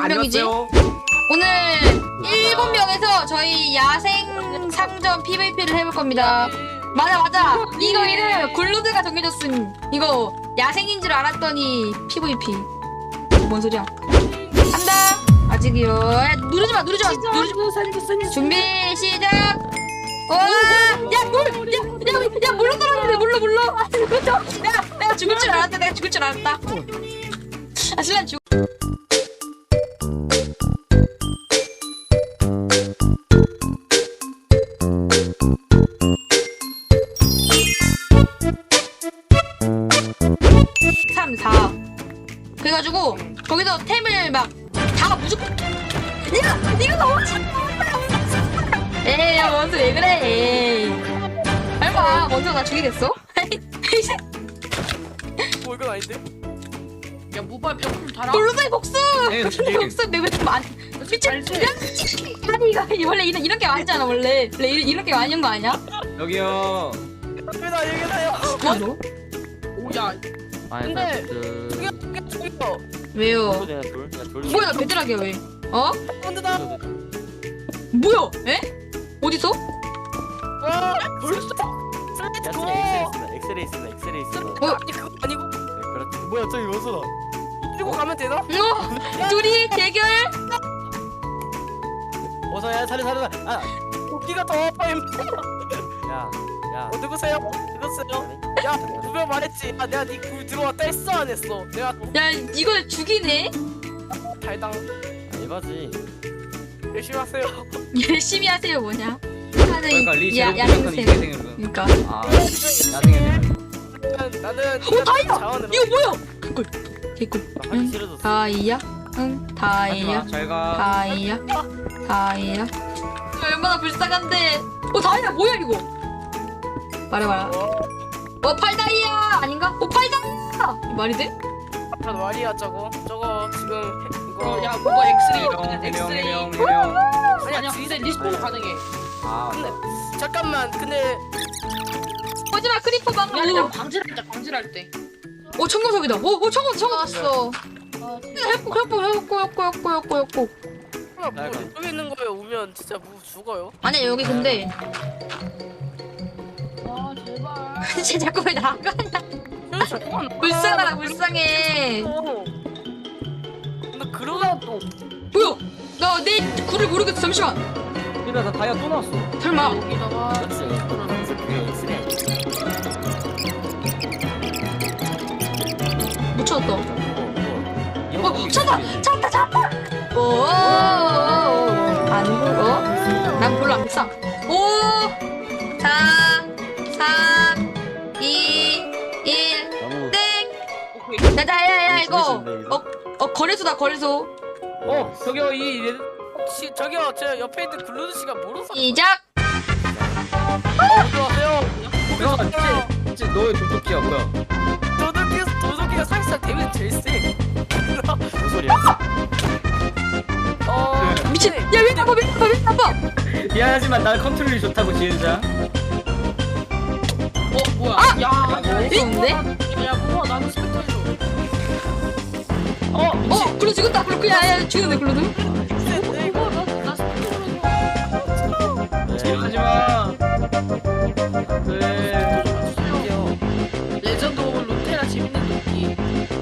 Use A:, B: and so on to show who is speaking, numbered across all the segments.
A: 몇 명이지?
B: 안녕하세요.
A: 오늘 7명에서 저희 야생 상점 PVP를 해볼 겁니다. 맞아. 이거 이름 굴루드가 정해줬음. 이거 야생인 줄 알았더니 PVP. 뭔 소리야? 한다. 아직이요. 야, 누르지 마. 준비 시작. 와, 야, 물로 떨어지네. 물로. 아, 그렇죠. 내가 죽을 줄 알았다. 아, 실례 죽. 그래가지고 거기서 템을 막 다 무조건 야! 니가 너무 에이 야 먼저 왜 그래 에이 설마 먼저 나 죽이겠어?
B: 뭐 이건 아닌데?
C: 야 모발 병풀 달아.
A: 블루베이 복수!
B: 에이,
A: 복수 내가 좀 안... 미친 아니 이거 원래 이런 게 아니잖아 원래 이런 게 아닌 거 아니야?
D: 여기요.
B: 여기다요.
A: 뭐?
C: 오야. 근데 저기요.
A: 왜요? 뭐야 나 베드락이야 왜? 어?
B: 혼자다.
A: 뭐야? 에? 어디서?
B: 와, 벌써.
D: 엑스레이 쓰다.
B: 아니 그거 아니고.
D: 그렇지. 뭐야 저기 원소다.
B: 들고 가면 되나?
A: 둘이 대결?
D: 어서야 살려. 아,
B: 도끼가 더 아파요.
D: 야.
B: 누구세요? 야, 분명 말했지. 아, 내가 네 들어왔다 했어 안 했어? 내가
A: 야 이걸 죽이네?
B: 달당
D: 알바지.
B: 열심히 하세요.
A: 열심히 하세요 뭐냐?
D: 그러니까 리
A: 야생생
D: 야생생.
A: 그러니까
D: 아, 야생생.
B: 나는
A: 오 다이아!
B: 자원으로.
A: 이거 뭐야? 개꿀
D: 하기 싫어졌어.
A: 다이아? 응 다이아
D: 하지마. 잘 가.
A: 다이아 얼마나 불쌍한데 다이아 뭐야 이거 말해봐라 팔다이아 아닌가? 팔다이아 말이 돼?
B: 아, 말이야 저거 지금 이거
C: 야 모발 엑스레이.
D: 해명.
C: 아니야 근데 리스폰 가능해.
D: 아,
B: 잠깐만 근데
A: 거짓말 크리퍼
C: 야
A: 방금
C: 그냥 광질할 때.
A: 청금석이다 청금 왔어 해먹고
B: 뭐 여기 있는 거에 오면 진짜 뭐 죽어요.
A: 아니야 여기 근데
C: 아 제발.
A: 쟤 자꾸 왜 나가냐 불쌍해
B: 나 그러다 또
A: 뭐야 나 내 굴을 모르겠어 잠시만
D: 이러다 나 다이아 또 나왔어.
A: 설마
C: 여기다가.
D: 그렇지. 그게 엑스레이.
A: 못 찾았다 찾았다 안 불어? 난 별로 안 비싸 5 4 3 2 1
D: 너무.
A: 땡! 야야야 이거 거래소다 거래소
D: 저기요 이
B: 혹시 저기요 저 옆에 있는 글루드 씨가 모르는 사람
A: 시작!
B: 어서오세요.
D: 진짜 너의 도둑이야 뭐야?
B: 도둑이가 사실상 데미지 제일 세.
D: 무슨 소리야?
A: 미친! 야 왜 나빠!
D: 미안하지만 난 컨트롤이 좋다고 지은자.
C: 뭐야? 야.
A: 좋은데?
C: 야 뭐야 나는 스펙터 해줘.
A: 글로 죽었다 글로 야야 죽였네 글로도
C: 이거 나 스펙터 해줘.
D: 하지마. 네.
C: 레전드 오브 루테라 재밌는 도끼.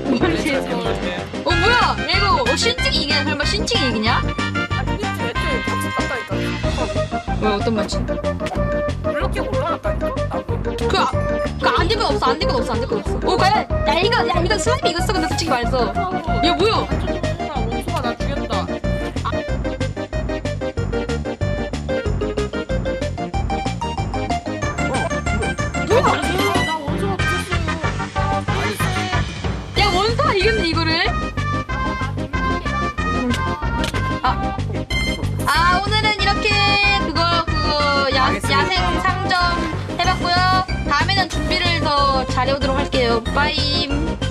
A: 뭐야 야 이거 신증이 이기냐 설마 신증이 이기냐?
B: 애초에 박수 땄다니까.
A: 뭐야 어떤 말이지?
B: 이렇게 올라갔다니까.
A: 그 안 될 건 없어 과연 야 이거 슬라임이 이겼어 근데 솔직히 말해서 야 뭐야
C: 원수가 나 죽였다. 나 원수가 죽였어요.
A: 야 원사가 이겼네 이거를 오늘은 이렇게 그거 야생 상점 해봤고요 다음에는 준비를 더 잘해오도록 할게요 빠임